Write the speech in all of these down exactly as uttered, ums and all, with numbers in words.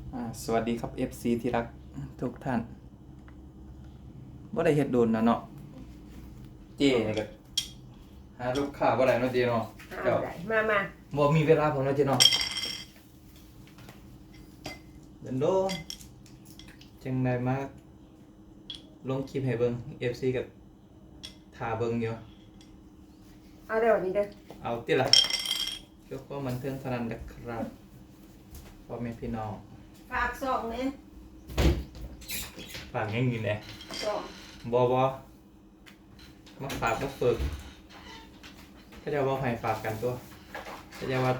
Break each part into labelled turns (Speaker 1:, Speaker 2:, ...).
Speaker 1: อ่าสวัสดีครับ เอฟ ซี ที่รักทุกท่านว่าได้เฮ็ดโดนนะเนาะเจ๊นี่ก็หาลูกค้าบ่ได้เนาะเจ๊เนาะ
Speaker 2: เอา
Speaker 1: เจ้า
Speaker 2: ได้มามา
Speaker 1: บ่มีเวลาผมเนาะเจ๊เนาะเดินโดนจังได้มาลงคลิปให้เบิ่ง เอฟ ซี กับท่าเบิ่งอยู่
Speaker 2: เอาเดี๋ยวนี้เด้อ
Speaker 1: เอาติล่ะเกี่ยวกับบันเทิงเท่านั้นนะครับพ่อแม่พี่น้อง
Speaker 2: ฝากสองเนี่ย
Speaker 1: ฝากยังอยู่แหน่
Speaker 2: สอง
Speaker 1: บ่บ่มาฝากมาฝึกเขาจะว่าให้ฝากกันตัวเขาจะว่า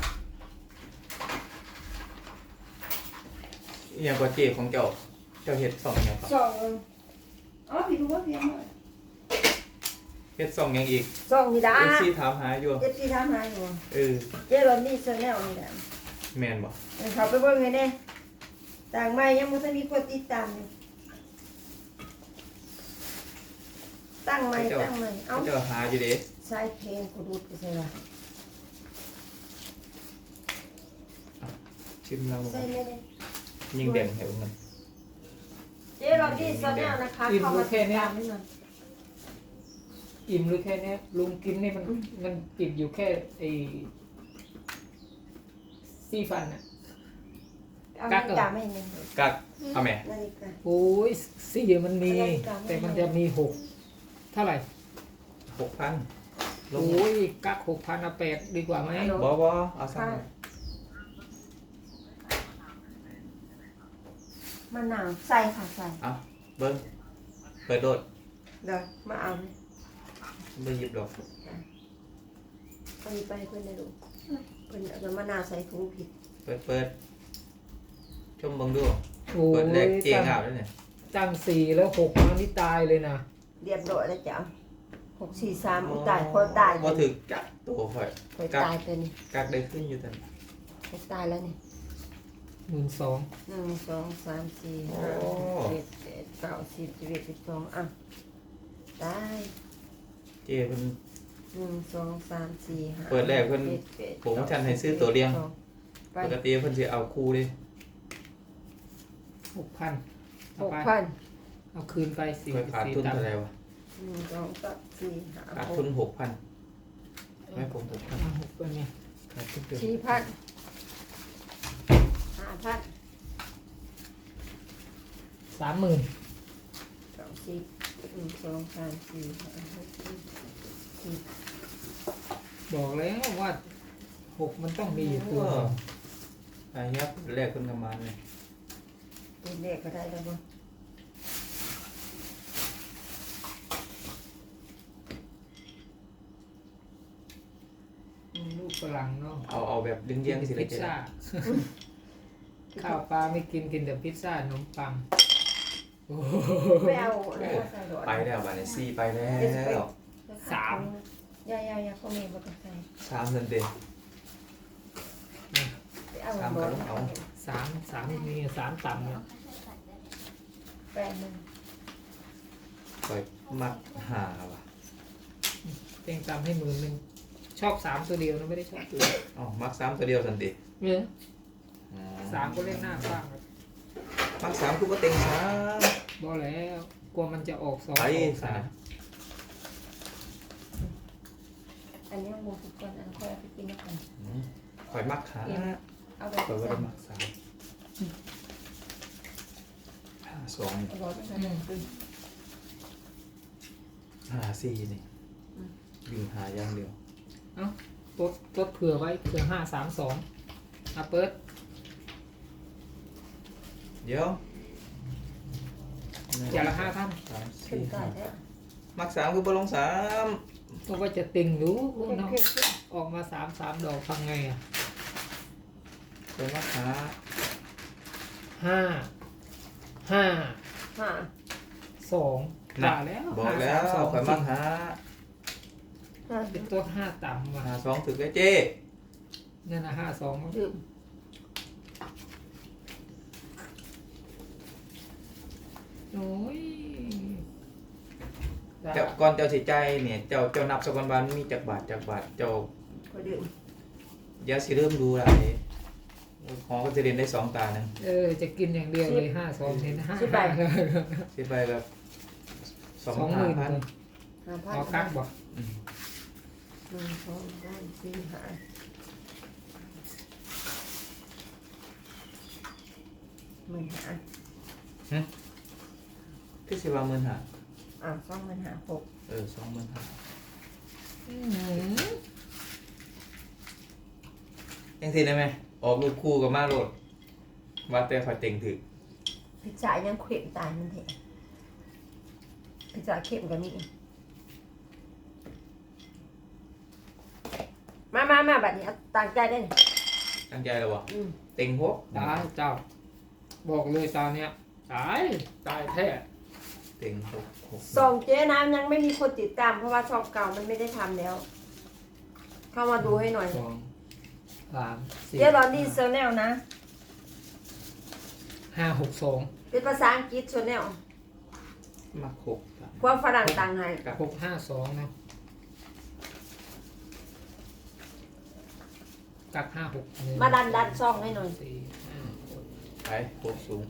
Speaker 1: อหย่างกว่าเจของเจ้าเจ้าเฮ็ดสองอย่างครับ
Speaker 2: สองอ๋อพี่รู้ว่าเพียงหน่อย
Speaker 1: เฮ็ดสองอย่างอีก
Speaker 2: สองนี่ได้
Speaker 1: เอฟซีถามหาอยู่
Speaker 2: เจ็ดสี่ทำหาอยู่
Speaker 1: เออ
Speaker 2: เจ๊รอนนี่ชาแนลนี่แหละ
Speaker 1: แม่นบ่
Speaker 2: เขาไปเบิ่งไงเนี่ยต่างไม่ยังไม่ทันมีคนติดตามอยู่ตั้งใหม่ตั้งใหม่เอา
Speaker 1: เขาเจ้าหาอยู่เด้
Speaker 2: ใส่เพลงกูดูดกูใส่ละ
Speaker 1: ชิมเรา
Speaker 2: ใส่เลยเลย
Speaker 1: ยิงแดงให้เบิ่งกัน
Speaker 2: เจ๊รอนนี่ชาแนลนะคะเข้ามาติดตามนิดหน่อย
Speaker 3: อิ่มหรือแค่เนี้ยลุงกินนี่มันมันติดอยู่แค่ไอ้ซี่ฟันอ่ะ
Speaker 2: เอานาฬิกาไม่หนึ่ง
Speaker 1: กักเอาแม่
Speaker 2: นาฬิกา
Speaker 3: โอ้ยซี่มันมี
Speaker 2: อะไรกัน
Speaker 3: แต่มันจะมีหกเท่าไหร่
Speaker 1: หกพันลง
Speaker 3: โอ้ยกักหกพันเอาแปดดีกว่าไหม
Speaker 1: บ่บ่เอาสั่ง
Speaker 2: มะนาวใส่ค่ะใส่
Speaker 1: เอาเบิ่งเปิดโดด
Speaker 2: เดี๋ยวมาเอาเลย
Speaker 1: บ่หยิบดอก
Speaker 2: ไปไปเพื่อนได้ดูเพื่อนเอามะนาวใส่ถุงผิด
Speaker 1: เปิดเปิดชมเบิ่งดู
Speaker 3: โอ้
Speaker 1: เปิดแรก
Speaker 3: ย
Speaker 1: เจ๊
Speaker 3: ตั้ง
Speaker 1: งาบแล้วเนี่ย
Speaker 3: ตั้งสี่แล้วหกมันนี่ตายเลยนะ
Speaker 2: เรียบร้อยแล้วจ้ะหกสี่สามอุยตายพอตาย
Speaker 1: บ่ถึกกักตัวข่อย
Speaker 2: พอตายเป็น
Speaker 1: กักได้ขึ้นอยู่แต่
Speaker 2: พอตายแล้วนี่
Speaker 3: หมื่นสอง
Speaker 2: หนึ่งสองสามสี่ห้าหกเจ็ดแปดเก้าสิบสิบเอ็ดสิบสองอ่ะตาย
Speaker 1: เจ๊เพิ่น
Speaker 2: หนึ่งสองสามสี่ห้า
Speaker 1: เปิดแรกเพิ่น
Speaker 2: จ็ดแปด
Speaker 1: ผมฉันให้ซื้อตัวเลี้ยง
Speaker 2: ไป
Speaker 1: ปกติเพิ่นสิเอาคู่เดิ
Speaker 3: หกพัน
Speaker 2: ห
Speaker 3: เอา
Speaker 2: ก
Speaker 3: ไป
Speaker 2: พัน
Speaker 3: เอาคืนไปสี่
Speaker 1: ข่อยขาด
Speaker 3: สี่
Speaker 1: ทุน
Speaker 3: ตัง
Speaker 1: เท่า
Speaker 3: ค์
Speaker 1: ไหร่วะ
Speaker 2: หนึ่งสองสามสี่ห้า
Speaker 1: ขาด
Speaker 2: ห
Speaker 1: ทุ
Speaker 2: ก
Speaker 1: นหกพันให้ผมหกพัน
Speaker 3: เอาหกเป็นไง
Speaker 1: ขาดทุนเดือน
Speaker 2: สี่พันห้าพัน
Speaker 3: สามหมื่น
Speaker 2: สองสิบหนึ่งสองสามสี่ห้าหกเจ็ดสิบ
Speaker 3: บอกแล้วว่าหกมันต้องมีอยู่ตัว
Speaker 1: เอออันนี้แรกเพิ่นก็มาเลย
Speaker 2: เป็นเลขก็ได้แล้วบ่
Speaker 3: ลูกฝรั่งเนาะ
Speaker 1: เอาเอาแบบเลี้ยงๆสิ
Speaker 3: พิ
Speaker 1: เลย
Speaker 3: ซ
Speaker 1: เจ๊
Speaker 3: ซ่า ข้าวปลาไม่กินกินแต่พิซซ่าขนมปังโอ้โห
Speaker 2: ไม่เอาอะไรก็ใส่ดอก
Speaker 1: ไปแล้วบัดนี้สี่ไปแล้ว
Speaker 3: สาม
Speaker 2: ยายายาก็มีบ่ต้องใส่
Speaker 1: สามเดือนเต็ม
Speaker 2: ไปเอา
Speaker 1: สาม
Speaker 2: บ่
Speaker 1: ก็ต้องเอา
Speaker 3: สามสามนี่สามต่ำเนี่ย
Speaker 2: แปดหนึ่ง
Speaker 1: ข่อยมัดหาว่ะ
Speaker 3: เต็งต่ำให้หมื่นหนึ่งชอบสามตัวเดียวนะไม่ได้ชอบตัว
Speaker 1: เอ้ามักสามตัวเดียวสันติ
Speaker 3: เนี่ย
Speaker 1: อื
Speaker 3: สามก็เล่นหน้าบ้างครับ
Speaker 1: มักสามคือบ่เต็งสาม
Speaker 3: บอกแล้วกลัวมันจะออกสอง
Speaker 1: ไป
Speaker 3: ออก
Speaker 1: สา
Speaker 3: สาม ม
Speaker 2: อันนี้หมูสุกก่อนอันค่อยเอาไปกินแล้วกัน
Speaker 1: อืมข่อยมักหา
Speaker 2: เอาไป
Speaker 1: ข่อยบ่
Speaker 2: ใส่
Speaker 1: ได้มักสามห้าสอง
Speaker 2: เอาบ่ไปใส่อืม
Speaker 1: ห้าสี่นี่วิ่งหาอย่างเดียว
Speaker 3: เอ้าตัวตัวเผื่อไว้เผื่อห้าสามสองอ่ะเปิด
Speaker 1: เดี๋ยว
Speaker 3: อย่างละห้าท่าน
Speaker 1: สาม
Speaker 2: ขึ้
Speaker 1: สี่
Speaker 2: นก่อ
Speaker 1: ห้าน
Speaker 2: แล้ว
Speaker 1: มักสามคือบ่ลงสาม
Speaker 3: ก็ว่าจะติ่งรู้
Speaker 2: ขึ้น
Speaker 3: เนาะ
Speaker 2: ขึ้นขึ้น
Speaker 3: ออกมาสามสามดอกทำไงอ่ะ
Speaker 1: ข่อยมักหา
Speaker 3: ห้าห้า
Speaker 2: ห้า
Speaker 3: สอง
Speaker 1: น่ะ
Speaker 3: ว่าแล้ว
Speaker 1: บอกแล้ว
Speaker 3: ห้าสามสอง
Speaker 1: ข่อยมักหา
Speaker 2: ห้า
Speaker 3: เป็นตัวห้าต่ำว่ะ
Speaker 1: หาสองถึกแล้วเจ้
Speaker 3: นั่นนะห้าสองมั้ง
Speaker 2: ดื่ม
Speaker 3: โอ้ย
Speaker 1: เจ้าก่อนเจ้าสิใจายเนี่ยเจ้าเจ้านับสักวันวันมีจักบาทจักบาทเจ้า
Speaker 2: ก็ดื่ม
Speaker 1: อย่าสิเริ่มดูหลายโอ้ของก็จะเรียนได้สองตาหนึ่ง
Speaker 3: เออจะกินอย่างเดียวเลยห้าสองเห็นห้า
Speaker 2: สิบใบ
Speaker 1: สิบใบก็สอง
Speaker 3: สองห
Speaker 1: ห้า
Speaker 3: มื่น
Speaker 1: พัน
Speaker 2: ห้าพัน
Speaker 3: เอากักบ่
Speaker 1: อืม
Speaker 2: หนึ่งสองสามสี่ห้าหมื่นห้า
Speaker 1: พี่สิว่าหมื่นห้า
Speaker 2: อ่ะสองหมื่นห้าหก
Speaker 1: เออสองหมื่นห้า
Speaker 3: อื้อหือ
Speaker 1: ยังสิได้ไหมออกลูกคู่กับมาโรดว่าแต่คอยเต็งถึก
Speaker 2: พิจารยังเข็มตายมันเถอะพิจารเข็มกันนี่มามามาแบบนี้เอาตั้งใจได้เลย
Speaker 1: ตั้งใจแล้ววะ
Speaker 2: อืม
Speaker 1: เต็งหก
Speaker 3: ตายเจ้า บอกเลยตาเนี้ยตายตายแท้
Speaker 1: เต็งหกหก
Speaker 2: ส่งเจ๊น้ำยังไม่มีคนติดตามเพราะว่าช่องเก่ามันไม่ได้ทำแล้ว เข้ามาดูให้หน่อย
Speaker 3: สองสามสี่
Speaker 2: เจ๊รอนดี้เซอร์แนลนะ
Speaker 3: ห้าหกสอง
Speaker 2: เป็นภาษาอังกฤษชแนล
Speaker 1: มาหกสาม
Speaker 2: ความฝรั่งต่างให้
Speaker 3: หกห้าสองนะกักห้าหกหนึ่ง
Speaker 2: มาดันดันช่องให้หน่อย
Speaker 3: สี่ห้าหก
Speaker 1: ไปหกสูง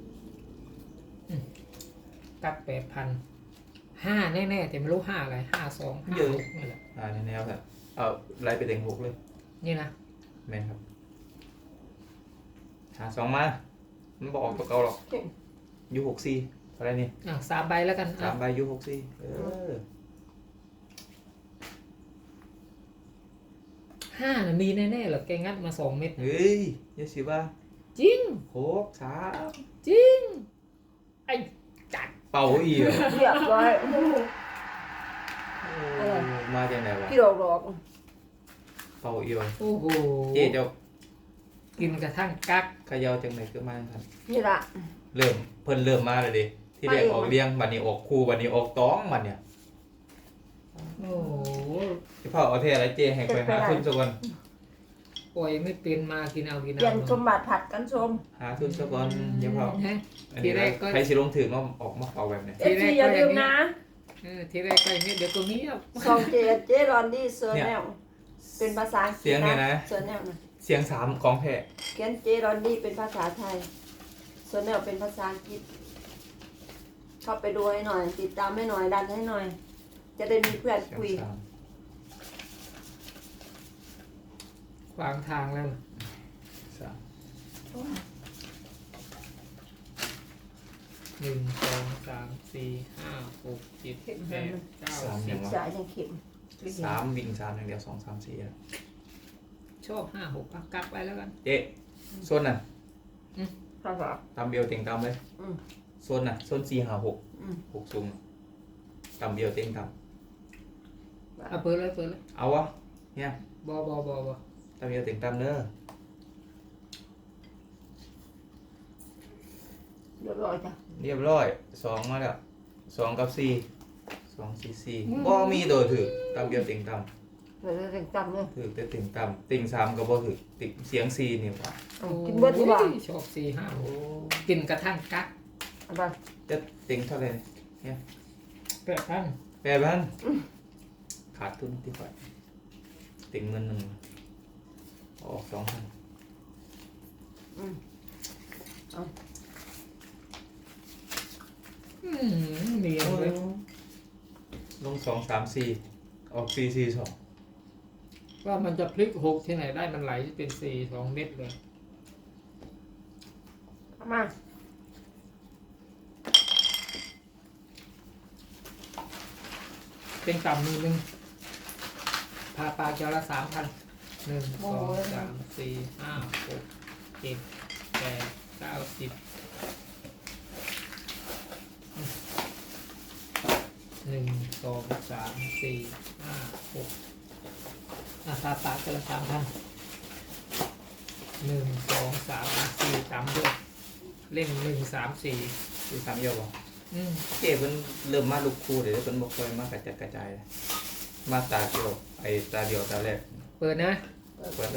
Speaker 3: กักแปดพันห้าแน่ๆแต่ไม่รู้ห้าอะไรห้าสองห้าหกนี่แหละ
Speaker 1: อ่าในแนวครับเอาไล่ไปเต็งหกเลย
Speaker 3: นี่นะ
Speaker 1: แม่นครับหาสองมา มันบอกออกตัวเก่าหรอกยูหกสี่อะไรนี่
Speaker 3: อ่ะสามใบแล้วกัน
Speaker 1: สา
Speaker 3: อ่ะ
Speaker 1: มใบยูหกสี่เออ
Speaker 3: ห้าน่ะมีแน่ๆเหรอแกงัดมาสองเม็ด
Speaker 1: เฮ้ยยาสิว่า
Speaker 3: จริง
Speaker 1: หกสาม
Speaker 3: จริงไอ้จัด
Speaker 1: เป่าอีกเหรอ
Speaker 2: เรียบร้อย
Speaker 1: โอ้มาจากไหนวะ
Speaker 2: พี่ดอกดอก
Speaker 1: เป่าอีกเหรอ
Speaker 3: โอ้โห
Speaker 1: เจ๊เจ้า
Speaker 3: กินกระทั่งกัก
Speaker 1: เขยาวจังไหนก็มาครับ
Speaker 2: นี่ละ
Speaker 1: เริ่มเพิ่นเริ่มมาเลยดิที่แรกออกเลี้ยงบัดนี้ออกคู่บัดนี้ออกต้องบัดเนี่ย
Speaker 3: โอ้โห
Speaker 1: ที่พ่อเอาเทอะไรเจ๊ให้ไปหาทุนสักวัน
Speaker 3: ปล่อยไม่เป็นมากินเอากิน
Speaker 2: เปลี่ยน
Speaker 3: เอา
Speaker 2: สมบัติผัดกันชม
Speaker 1: หาทุนสักวันเดี๋ยวพ่อ
Speaker 3: ฮะ
Speaker 1: อัน
Speaker 3: ที
Speaker 1: นี้
Speaker 3: แรกก็
Speaker 1: ใครสิลงถึงว่าออกมาเป่าแบบเนี้ย
Speaker 2: เอฟซีอย่าลืมนะ
Speaker 3: เออทีแรกก็อย่างนี้เดี๋ยวตัวนี้อ่ะ
Speaker 2: สองเจเจ๊รอนดี้เซอร์แนลเป็นภาษาอังกฤษ
Speaker 1: เสียงเนี่ยนะ
Speaker 2: เซอร์แนลนะ
Speaker 1: เสียงสามของแพ้
Speaker 2: เขียนเจรอนดี้เป็นภาษาไทยเซอร์แนลเป็นภาษาอังกฤษเข้าไปดูให้หน่อย ติดตามให้หน่อยดันให้หน่อย จะได้มีเพื่อน
Speaker 1: เสียง
Speaker 2: คุย
Speaker 1: สาม
Speaker 3: ขวางทางแล้ว
Speaker 1: สาม
Speaker 3: หนึ่งสองสามสี่ห้าหกเจ็ดแปดเก้าสิบ
Speaker 2: สายยังเข็ม
Speaker 1: สามวิ่งสามอย่างเดียวสองสามสี่อะ
Speaker 3: ชอบห้าหกอ่ะกักไปแล้วกัน
Speaker 1: เจ๊โซนน่ะ
Speaker 2: ภาษา
Speaker 1: ตามเบียวเต็งตามเลย
Speaker 2: อืม
Speaker 1: โซนน่ะโซนสี่หาหก
Speaker 2: อืม
Speaker 1: หกสูงตามเบียวเต็งตาม
Speaker 3: เอาเปิดเลยเปิดเลย
Speaker 1: เอาวะเนี่ย
Speaker 3: บอบอบอบอ
Speaker 1: ตามเบียวเต็งตามเนอะ
Speaker 2: เรียบร้อยจ้ะ
Speaker 1: เรียบร้อยสองมาแล้วสองกับสี่สองสี่สี่บ่มีตัวถือตามเบียวเต็งตาม
Speaker 2: เดี๋ยวจะจำเลย
Speaker 1: ถือแต่เต็งตามเต็งสามก็บ่ถือติเสียงสี่นี่ว่ะ
Speaker 2: เอากินเบิร์ดดีกว่า
Speaker 3: โอ้ยชอบสี่ห้าห
Speaker 1: โอ้
Speaker 3: กกินกระทั่งกัก
Speaker 2: เอาไป
Speaker 1: จะเต็งเท่าไหร่เนี่ย
Speaker 3: แปดพัน
Speaker 1: แปดพันขาดทุนที่ฝ่ายเต็งเงินหนึ่งออกสองพัน
Speaker 2: อืม
Speaker 3: อืมเนียนเลย
Speaker 1: ลงสองสามสี่ออกสี่สี่สอง
Speaker 3: ว่ามันจะพลิกหกที่ไหนได้มันไหลเป็นสี่สองเม็ดเลย
Speaker 2: เอามา
Speaker 3: เป็นต่ำมือหนึ่งพาปลาเจ้าละสามพันหนึ่งสองสามสี่ห้าหกเจ็ดแปดเก้าสิบหนึ่งสองสามสี่ห้าหกอ่ะพาปลาเจ้าละสามพันหนึ่งสองสามสี่สามด้วยเล่นหนึ่งสามสี่
Speaker 1: สี่สามเยอะบ่
Speaker 3: อืม
Speaker 1: เจ๊เพิ่นเริ่มมาลูกคู่เดี๋ยวเพิ่นบ่ค่อยมากระจัดกระจายเลยมาตาเดียวไอ้ตาเดียวตาแรก
Speaker 3: เปิดนะ
Speaker 1: เปิดเลย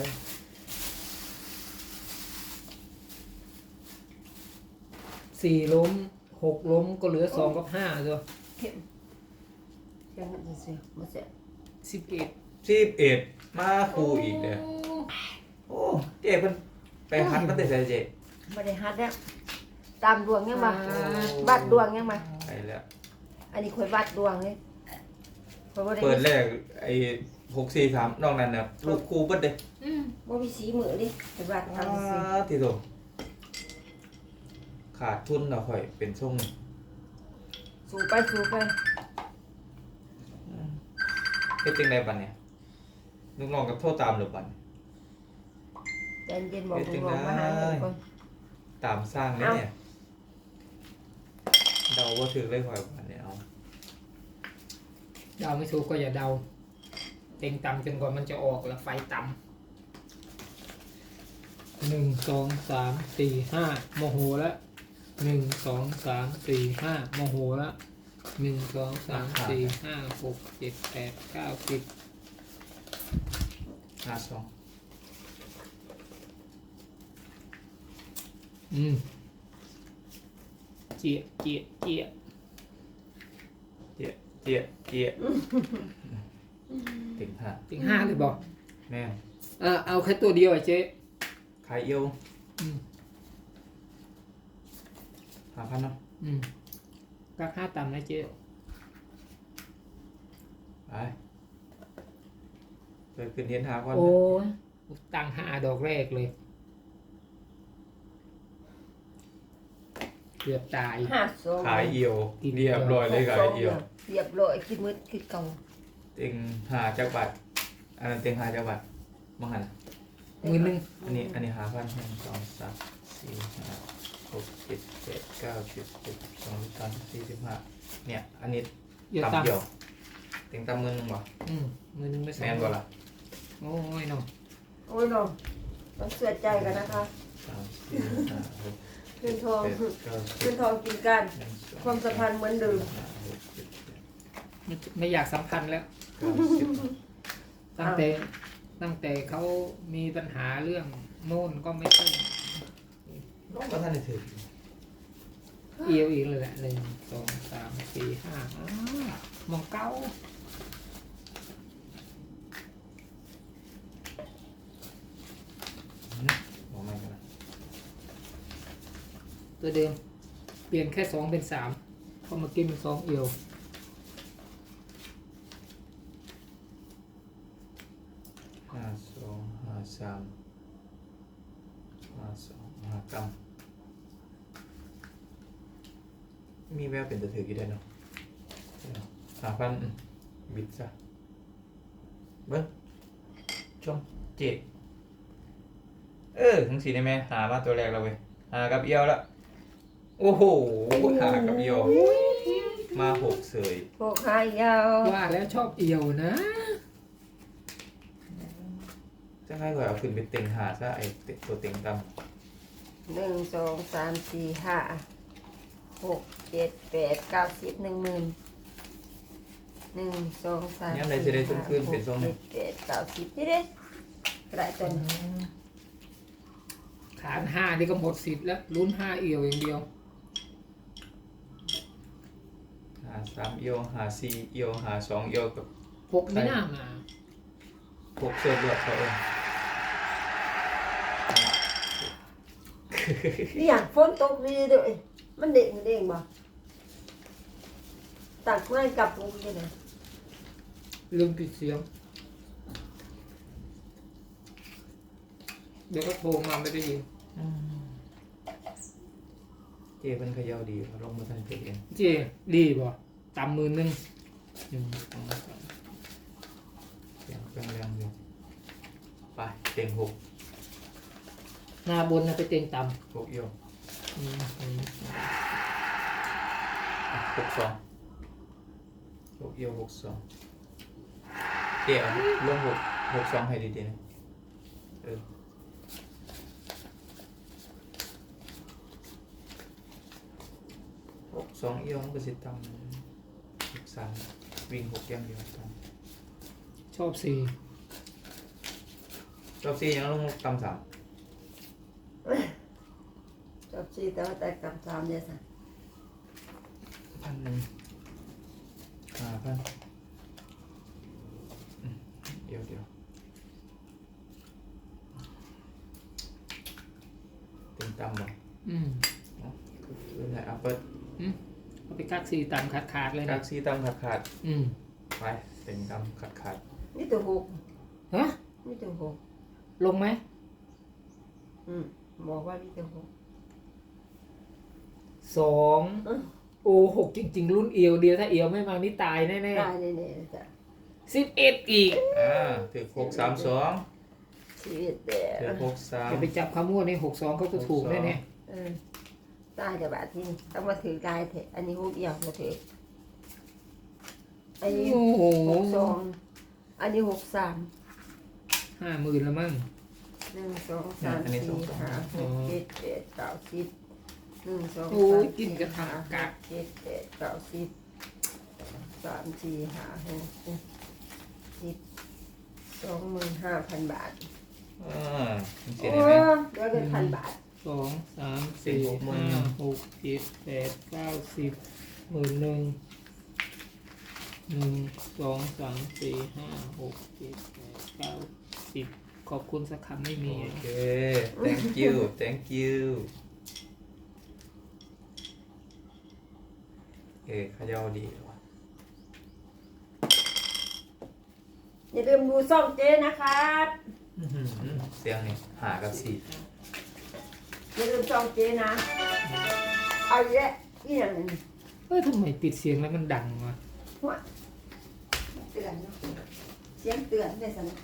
Speaker 3: สี่ล้มหกล้มก็เหลือสองกับห้าตัว
Speaker 2: เข็มเข็มมันจะเสียมาเสีย
Speaker 3: สิบเอ็ด
Speaker 1: สิบเอ็ดมาคู่อีกเด้อโอ้เจ๊เพิ่นไปฮัดมันแต่ใส่เจ
Speaker 2: ไม่ได้ฮัดแล้วตามดวงยังมาบัดดวงยังมา
Speaker 1: ไปแล้ว
Speaker 2: อันนี้คอยบัดดวงเลยคอยบ่ได้
Speaker 1: เปิดแรกไอ้หกสี่สามนอกนั้นเนี่ยลูกครูเบิดเลย
Speaker 3: อืม
Speaker 2: บ่มีสีมือดิไปบัด
Speaker 1: อ้า
Speaker 2: ทำสิ
Speaker 1: ที่โตขาดทุนเราค่อยเป็นช่วง
Speaker 2: สูไปสูไป
Speaker 1: เป็นจังไดบัดเนี่ยลูกน้องกับโทษตามหรือบัด
Speaker 2: ใจเย็นบอกลูกน้องมาหาเงินก่อน
Speaker 1: ตามสร้างเลยเนี่ยเดาว่าถือเลยค่อยบัดเนี่ยเอา
Speaker 3: เดาไม่ถูกก็อย่าเดาเต็งต่ำจนกว่ามันจะออกแล้วไฟต่ำหนึ่งสองสามสี่ห้าโมโหแล้วหนึ่งสองสามสี่ห้าโมโหแล้วหนึ่งสองสามสี่ห้าหกเจ็ดแปดเก้าสิบ
Speaker 1: ห้าสอง
Speaker 3: อืมเจียเจียเจีย
Speaker 1: เจี๊ยเจี๊ยเจี๊ยติ่งห้า
Speaker 3: ถึงห้าเลยบอก
Speaker 1: แม่ง
Speaker 3: เออเอาแค่ตัวเดียวอ่ะเจ๊
Speaker 1: ขายเอียว
Speaker 3: อืม
Speaker 1: หาพันเนาะ
Speaker 3: อืมก็ห้าต่ำนะเจ๊
Speaker 1: ไปเปิดขึ้นเทียนหาก่อน
Speaker 3: โอ้ยตั้งห้าดอกแรกเลยเกือบตาย
Speaker 2: ห้าสอง
Speaker 1: ขายเอียวเรียบร้อยเลยขายเอียว
Speaker 2: เรียบร้อยคิดมืดคิดเก่า
Speaker 1: เต็งหาจักบัตรอันนั้นเต็งหาจักบัตรมังหัน
Speaker 3: มือหนึ่ง
Speaker 1: อันนี้อันนี้หาพันหนึ่งสองสามสี่ห้าหกเจ็ดแปดเก้าสิบสิบสองสิบสามสิบสี่สิบห้าเนี่ยอันนี้
Speaker 3: เยอะ
Speaker 1: ต่ำ
Speaker 3: ต่ำ
Speaker 1: เดียวเต็งต่ำมือหนึงบ่
Speaker 3: อืมมือหนึ่งไม่สอ
Speaker 1: แม
Speaker 3: ง
Speaker 1: นบ่ล่ะ
Speaker 3: โอ้ยน้อง
Speaker 2: โอ้ยน้องต้องเสียใจกันนะคะ
Speaker 1: สามสี่ห้าหก
Speaker 2: ขึ้นทอง
Speaker 1: เจ็ดเก้าสิ
Speaker 2: ขึ้
Speaker 1: บ
Speaker 2: นทองกินกัน
Speaker 1: หนึ่งสอง
Speaker 2: ความสัมพันธ์เหมือนเดิม
Speaker 1: ห้าหกเจ็ดแปด
Speaker 3: ไม่ไม่อยากสัมพันธ์แล้ว
Speaker 1: เก้าสิบ
Speaker 3: ตั้งแต่ตั้งแต่เขามีปัญหาเรื่องโน่นก็ไม่ค่อย
Speaker 1: น้องประธานได้ถือ
Speaker 3: เอียวอีกเลยแหละหนึ่งสองสามสี่ห้าอ้าวมองเก้า
Speaker 1: บอกไม่กันนะ
Speaker 3: ตัวเดิม เปลี่ยนแค่สองเป็นสามเพอมากินเป็นสองเอียว
Speaker 1: ห้าสองห้าสามห้าสองห้ากำมีแววเป็นตัวถือกี่ได้เนาะหาพันอืมบิดซะเบิ้งชมเจ็ดเออทั้งสี่ได้ไหมหามาตัวแรกเราเว้ยหากับเอียวละโอ้โหหากับเอียวมาหกเสย
Speaker 2: พวกหายาว
Speaker 3: ว่าแล้วชอบเอียวนะ
Speaker 1: จะให้ก่อนเอาขึ้นไปเต็งหาซะไอเต็งตัวเต็งด
Speaker 2: หนึ่งสองสามสี่ห้าหกเจ็ดแปดเก้าสิบหนึ่งหมื่นหนึ่งสองสามสี่ห้าหกเจ็ดแปดเก้าสิบนี่เด้กระไรตัวนี้
Speaker 3: ขานห้านี่ก็หมดสิทธิ์แล้วลุ้นห้าเอียวอย่างเดียว
Speaker 1: ำหาสามเอียวหาสี่เอียวหาสองเอียวกับ
Speaker 3: หกไม่น่ามา
Speaker 1: หกเสือเลือดเขาเอง
Speaker 2: นี่อย่างฝนตกดีด้วยมันเด้งเด้งบ่ตักไม่กลับลงยังไง
Speaker 3: ลืมปิดเสียง เดี๋ยวก็โทรมาไม่ได้ยิน
Speaker 1: เจเป็นเขย่าดีเขาลงมาทันเกิดเอง
Speaker 3: เจดีบ่ตำมือหนึ่งหนึ่งสองสาม
Speaker 1: เสียงแรงแรงอยู่ไปเต็งหก
Speaker 3: หน้าบนนะไปเต็งต่
Speaker 1: หกเอียว
Speaker 3: ำอืมอืม
Speaker 1: อ่ะหกสองหกเอียวหกสองเจเอาลงหกหกสองให้ดีๆนะเออหกสองเอียวมันก็สิตำหกสามวิ่งหกอย่างเดียวตำ
Speaker 3: ชอบสี่
Speaker 1: รอบสี่ยังลงตำสาม
Speaker 2: จบชีแต่ว่าแต่กลับสามเนี่ยสิ
Speaker 1: พันหนึ่งห้าพันอืมเดี๋ยวเดี๋ยวเต็งต่ำบ่
Speaker 3: อืม
Speaker 1: คือไหนเอาเปิด
Speaker 3: เอาไปกักสี่ต่ำขาดขาดๆเลย
Speaker 1: กา
Speaker 3: นะ
Speaker 1: กซีต่ำขาดขาด
Speaker 3: อืม
Speaker 1: ๆไปเต็งต่ำขาดขาด
Speaker 2: นี่ตัวหก
Speaker 3: ฮะ
Speaker 2: นี่ตัวหก
Speaker 3: ลงไหม
Speaker 2: อืมบอกว่านี่ตัวหก
Speaker 3: สองโอ้หกจริง ๆ รุ่นเอียวเดียวถ้าเอียวไม่มานี่ตายแน่
Speaker 2: ตายแน่ๆจ้ะ
Speaker 3: ๆสิบเอ็ดอีก
Speaker 1: อ่าถือหกสามสอง
Speaker 2: ชีวิตแต่
Speaker 1: ถือหกสาม
Speaker 3: อย่าไปจับคำมั่วนี่หกสองเขาจะถูกแน่
Speaker 2: เออตายจะบาดที่นี่ต้องมาถือกายเถอะอันนี้หกเอี่ยวมาถืออัน
Speaker 3: ๆ
Speaker 2: นี้
Speaker 3: โอ้โห
Speaker 2: หกสองอันนี้หกสาม
Speaker 3: ห้าหมื่นละมั้ง
Speaker 2: หนึ่งสองสามสี่ห้าหกเจ็ดแปดเก้าสิบหนึ่งสอง
Speaker 3: โอ้
Speaker 2: สาม
Speaker 3: ยกินกระถาง
Speaker 2: ห้
Speaker 3: กัก
Speaker 2: เจ็ดแปดเก้าสิบสามสี่ห้าหกเจ็ดสิบสองหมื่นห้าพันบาท
Speaker 1: อ่าเสีย
Speaker 2: โอ้
Speaker 1: ได้ไหม
Speaker 2: เดี๋ยวเป็นพันบาท
Speaker 3: สองสามสี่
Speaker 1: หกหมื่น
Speaker 3: ห้าหกเจ็ดแปดเก้าสิบหมื่นหนึ่งหนึ่งสองสามสี่ห้าหกเจ็ดแปดเก้าสิบขอบคุณสักคำไม่มี
Speaker 1: โอเค thank you thank you เอ้ขยาวดีว่ะ
Speaker 2: อย่าลืมดูซ่องเจ๊นะครับ
Speaker 1: อื้อหือเสียงนี่หากับสี่
Speaker 2: อย่าลืมซ่องเจ๊นะ เอาเยอะนี่อย่างหนึง
Speaker 3: เอ้ยทำไมปิดเสียงแล้วมันดังวะ
Speaker 2: หัวเตือนเนาะเสียงเตือนได้สนะ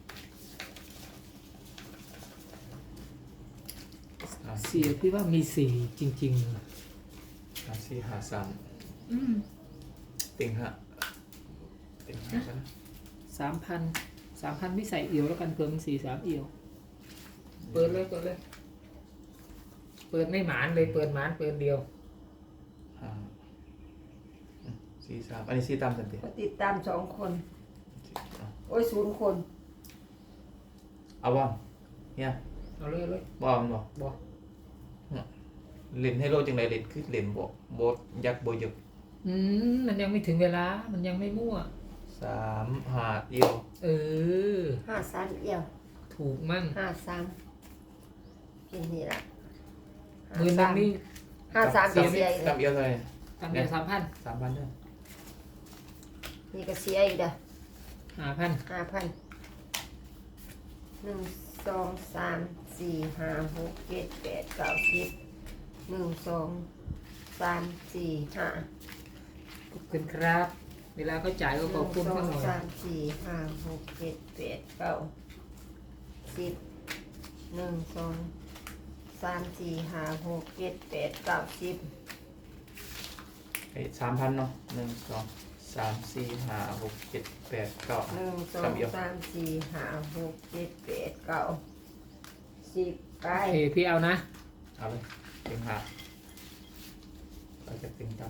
Speaker 1: อ่า
Speaker 3: เสียพี่ว่ามีสี่จริงๆเลย
Speaker 1: หาสี่หาสาม
Speaker 3: อืม
Speaker 1: เต็งห้าเต็งห้ากันนะ
Speaker 3: สามพันสามพันไม่ใส่เอียวแล้วกันเพิ่มสี่สามเอียว เปิดเลยเปิดเลย เปิดไม่หมานเลยเปิดหมานเปิดเดียว
Speaker 1: ห้าอืมสี่สามอันนี้สี่ตามสันติ
Speaker 2: ก็ติดตามสองคน
Speaker 1: เอา
Speaker 2: โอ้ยศูนย์คน
Speaker 1: เอาบ้างเนี่ย
Speaker 3: เอาเลยเอาเลย
Speaker 1: บ้างบอก
Speaker 3: บอก
Speaker 1: เล่นให้โลจังไรเล่นคือเล่นบอกโบดยักษ์โบยึก
Speaker 3: อืมมันยังไม่ถึงเวลา มันยังไม่มั่ว
Speaker 1: สามหาเดียว
Speaker 3: เออ
Speaker 2: ห้าสามเอี่ยว
Speaker 3: ถูกมั่ง
Speaker 2: ห้าสามกินนี่ละ
Speaker 3: หมื่นหนึงนี่
Speaker 2: ห้าสามก็เสียอีก
Speaker 1: ตาม
Speaker 2: แล้ว
Speaker 1: เอียวเท่าไหร่
Speaker 3: ทำเดียวสามพัน
Speaker 1: สามพันเด้อ
Speaker 2: นี่ก็เสียอีกเด้อ
Speaker 3: ห้าพัน
Speaker 2: ห้าพันหนึ่งสองสามสี่ห้าหกเจ็ดแปดเก้าสิบหนึ่งสองสามสี่ห้า
Speaker 3: ขอบคุณครับ เวลาเขาจ่ายก็ขอบคุณ
Speaker 2: หนึ่
Speaker 3: เขา
Speaker 2: ง
Speaker 3: ห
Speaker 2: ส
Speaker 3: น่
Speaker 2: อ
Speaker 3: อง ย
Speaker 2: สามสี่ห้าหกเจ็ดแปดเก้าสิบหนึ่งสองสามสี่ห้าหกเจ็ดแปดเก้าสิบ
Speaker 1: ไอ้สามพันเนาะหนึ่งสองสามสี่ห้าหกเจ็ดแปดเก้า
Speaker 2: หนึ่งสอ
Speaker 1: ตาง มเอียว
Speaker 2: สามสี่ห้าหกเจ็ดแปดเก้าสิบไป
Speaker 3: โอเคพี่เอานะ
Speaker 1: เอาเลยเต็งห้าเราจะเต็งตาม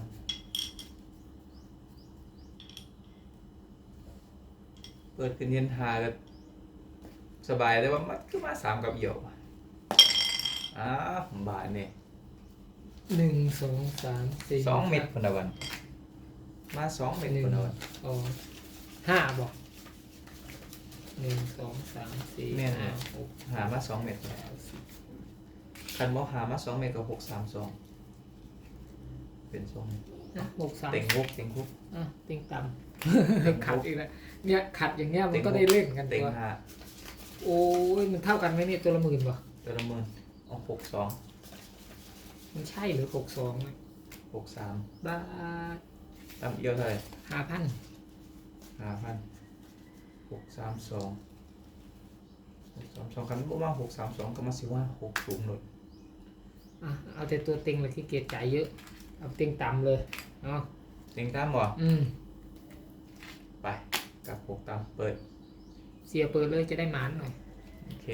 Speaker 1: เปิดขึ้นเย็นหาก็สบายได้ว่ามันคือมาสามกับเอี่ยวอ้าวบาทเนี่ย
Speaker 3: หนึ่งสองสามสี่
Speaker 1: สองเม็ดคนละวัน มาสองเม็ดคนละวัน
Speaker 3: สองห้าบอกหนึ่งสองสามสี่
Speaker 1: แม่น
Speaker 3: ห้า
Speaker 1: เนี่ย
Speaker 3: หก
Speaker 1: หามาสองเม็ด
Speaker 3: แปดสิบ
Speaker 1: คันบอกหามาสองเม็ดกับหกสามสองเป็นสอง
Speaker 3: อ่ะหกสาม
Speaker 1: เต็งหกเต็งหก
Speaker 3: อ่ะติงต่
Speaker 1: เต็ง
Speaker 3: ำ
Speaker 1: ห
Speaker 3: ขัด
Speaker 1: ก
Speaker 3: อีกแล้วเนี่ยขัดอย่างเงี้ยมันก็
Speaker 1: เต็งหก
Speaker 3: ได้เล่นกัน
Speaker 1: เต็
Speaker 3: ตั
Speaker 1: ง
Speaker 3: ว
Speaker 1: ห้า
Speaker 3: โอ้ยมันเท่ากันไหมเนี่ยตัวละหมื่นวะ
Speaker 1: ตัวละหมื่นเอาหกสอง
Speaker 3: มันใช่หรือหกสอง
Speaker 1: หกสาม
Speaker 3: บ้า
Speaker 1: ตามเอียวเท่าไหร่
Speaker 3: ห้าพัน
Speaker 1: ห้าพันหกสามสองหกสามสองคันบอกว่าหกสามสองก็มาสิว่าหกสูงหน่อย
Speaker 3: อ่ะเอาแต่ตัวเต็งเลยที่เกียจจ่ายเยอะเอาเต็งต่ำเลยเอา
Speaker 1: เต็งตามบ่
Speaker 3: อืม
Speaker 1: ไปกับหกตามเปิด
Speaker 3: เสียเปิดเลยจะได้หมานหน่อย
Speaker 1: โอเค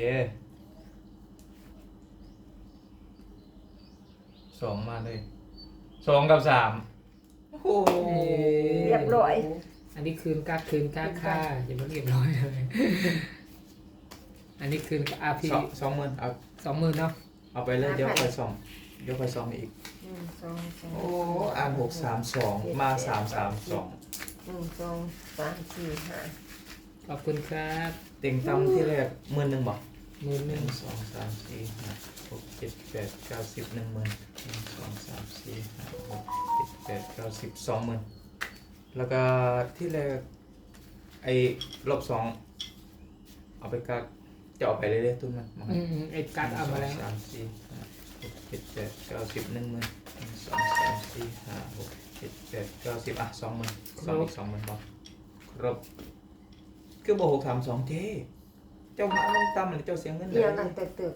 Speaker 1: สองมาเลยสองกับสามโอ้โห
Speaker 2: เรียบร้อย
Speaker 3: อันนี้คืนกาคืนกาค่าอย่ามาเรียบร้อยเลย อันนี้คืนอาพี
Speaker 1: สองสองหมื่นเอา
Speaker 3: สองหมื่นเนาะ
Speaker 1: เอาไปเลยเดี๋ยวคอยส่องเดี๋ยวคอยส่องอีก
Speaker 2: หนึ่งสองสาม
Speaker 1: โอ้อ่านหกสามสองมาสามสามสอง
Speaker 2: หนึ่งสองสามสี่ห้า
Speaker 3: ขอบคุณครับ
Speaker 1: เต็งตำที่แรกหมื่นหนึ่งบอก
Speaker 3: หมื่นห
Speaker 1: ห
Speaker 3: นึ่
Speaker 1: นึ่
Speaker 3: ง
Speaker 1: งสองสามสี่ห้าหกเจ็ดแปดเก้าสิบหนึ่งหมื่นหนึ่งสองสามสี่ห้าหกเจ็ดแปดเก้าสิบสองหมื่นแล้วก็ที่แรกไอ้รอบสองเอาไปกักจะเอาไปเรื่อยๆตุ้นมันมา
Speaker 3: อืมอืมไอ้กัดเอามาแล้ว
Speaker 1: หนึ่งสองสามสี่ห้าหกเจ็ดแปดเก้าสิบหนึ่งหมื่นหนึ่งสองสามสี่ห้าหกเจ็ดแปดเก้าสิบอ่ะสองหมื่นสองอีกสองหมื่นพอครบคือบอกหกสามสองเจ๊เจ้ามาลงต่ำหรือเจ้าเสียเงินเล
Speaker 2: เดี๋ย
Speaker 1: ยว
Speaker 2: นั่งตึกตึก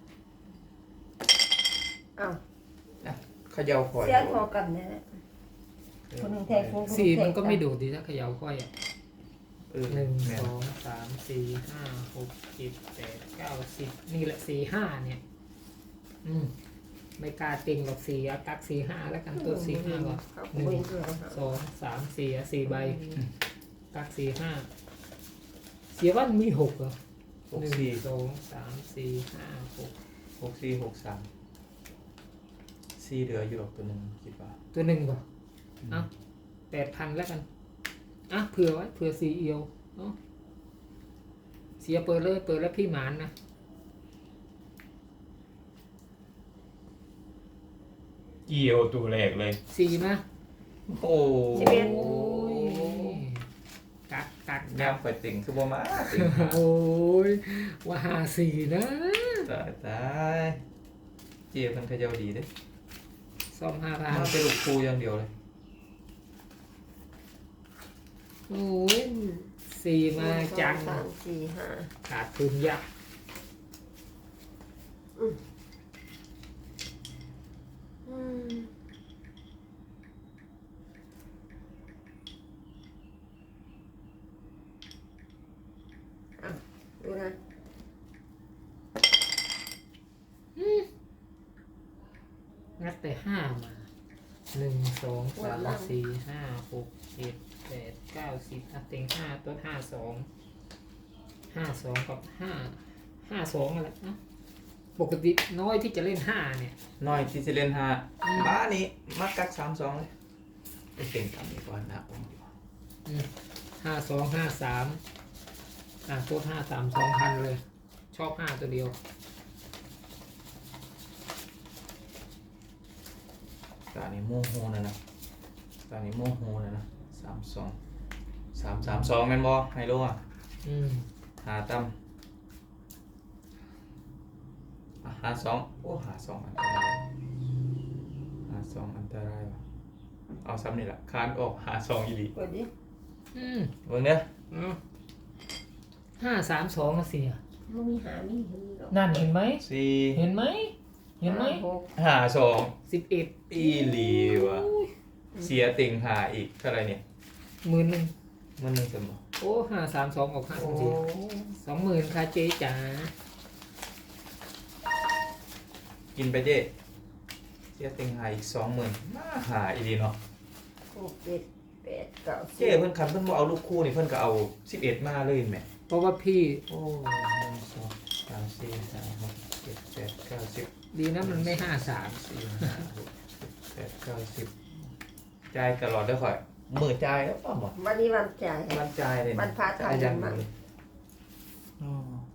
Speaker 2: อ้าว
Speaker 1: นะเขย่าคอย
Speaker 2: เสียงพอกันนะคนหนึ่งแทงคน
Speaker 3: สี่มันก็ไม่ดูดดีถ้าเขย่าค่อยอ่ะ
Speaker 1: เออ
Speaker 3: หนึ่ง
Speaker 1: แม่
Speaker 3: สองสามสี่ห้าหกเจ็ดแปดเก้าสิบนี่แหละสี่ห้าเนี่ย อืมไม่กล้าติงหรอกสี่อะกักสี่ห้าแล้วกันตัวสี่ห้าก่อน
Speaker 2: เขา
Speaker 3: หนึ่
Speaker 2: คุย
Speaker 3: ง
Speaker 2: ด้วย
Speaker 3: สองสามสี่อะสี่ใบกักสี่ห้าเสียวันมีหกเหรอ
Speaker 1: หก
Speaker 3: หนึ่ง
Speaker 1: สี่
Speaker 3: สองสามสี่ห้าหก
Speaker 1: หกสี่หกสามสี่เหลืออยู่หรอกตัวหนึ่งคิดว่า
Speaker 3: ตัวหนึ่งก่อนอ่ะแปดพันแล้วกันอ่ะเผื่อไว้เผื่อสี่เอียวเนาะเสียเปิดเลยเปิดแล้วพี่หมานนะ
Speaker 1: เกี่ยวตัวแรกเลย
Speaker 3: สี่มา
Speaker 1: โอ้
Speaker 2: สิบเอ็ด
Speaker 3: โอ้ยกักกัก
Speaker 1: แน
Speaker 3: กั
Speaker 1: ว
Speaker 3: ก
Speaker 1: ไปติ่งคือบ่มาติ่ง
Speaker 3: โอ้ยว่าหาสี่นะ
Speaker 1: ตายตายเจี๊ยบมันเขย่าดีเด้
Speaker 3: ซ่อมห้าพัน
Speaker 1: มาเป็นลูกครูอย่างเดียวเลย
Speaker 3: โอ้ยสี่มาจัง
Speaker 2: สามสี่ห้า
Speaker 3: ขาดทุนยับ
Speaker 2: อืมอ่ะดูนะ
Speaker 3: งัดแต่ห้ามาหนึ่งสองสามสี่ห้าหกเจ็ดแปดเก้าสิบอ่ะเต็งห้าตัวห้าสองห้าสองกับห้าห้าสองอะไรนะปกติน้อยที่จะเล่นห้าเนี่ย
Speaker 1: น้อยที่จะเล่นห้า
Speaker 3: อืม
Speaker 1: บ้านี้มักกักสามสองเลยไปเต็งทำดีกว่านะผมดีกว่า
Speaker 3: ห้าสองห้าสามอ่ะตัวห้าสามสองพันเลย ชอบห้าตัวเดียว
Speaker 1: ตานี้โมโหนะนะตานี้โมโหนะนะสามสองสามสามสองแม่นบอไฮโลอ่ะ
Speaker 3: อืม
Speaker 1: หาตั้มอ่ะหาสองโอ้หาสองอันตรายหาสองอันตรายว่ะเอาซ้ำนี่แหละคานออกหาสองอีหลี
Speaker 2: กดดิ
Speaker 3: อืม
Speaker 1: เบิ่งเนี้ย
Speaker 3: เอาห้าสามสองมาเสีย
Speaker 2: มันมีหามีหือหรอก
Speaker 3: นั่นเห็นไหม
Speaker 1: สี่
Speaker 3: เห็นไหม เห็นไหม
Speaker 2: หก
Speaker 1: หาสอง
Speaker 3: สิบเอ็ด
Speaker 1: อีหลีว่ะเสียติ่งหาอีกเท่าไหรเนี่ย
Speaker 3: หมื่นหนึ่ง
Speaker 1: มันหนึ่งสมบ
Speaker 3: โอ้ห้าสามสองออกห้า
Speaker 1: โอ้
Speaker 3: สิบสองหมื่นค่ะเจ๊จ๋า
Speaker 1: กินไปเจ๊เสียติ่งหาอีกสองหมื่นมาหาอีหลีเนาะ
Speaker 2: หกเจ็ดแปดเก้าสิบ
Speaker 1: เจ้เพิ่นคันเพิ่นบ่เอาลูกคู่นี่เพิ่นก็เอาสิบเอ็ดมาเลยแหม
Speaker 3: เพราะว่าพี่
Speaker 1: โอ้หนึ่งสองสามสี่ห้าหกเจ็ดแปดเก้าสิบ
Speaker 3: ดีนะมันไม่ห้าสาม
Speaker 1: สี่ห้าหกเจ็ดแปดเก้าสิบจ่ายตลอดเด้อข่อยมือจ่ายแล้วป่ะหมด
Speaker 2: วันนี้วันจ่าย
Speaker 1: มันจ่ายเลยะ
Speaker 2: วันพระ
Speaker 1: จ่ายอยัง
Speaker 2: ทำบุญ
Speaker 1: เดียว
Speaker 2: มา
Speaker 1: เลยอ๋อ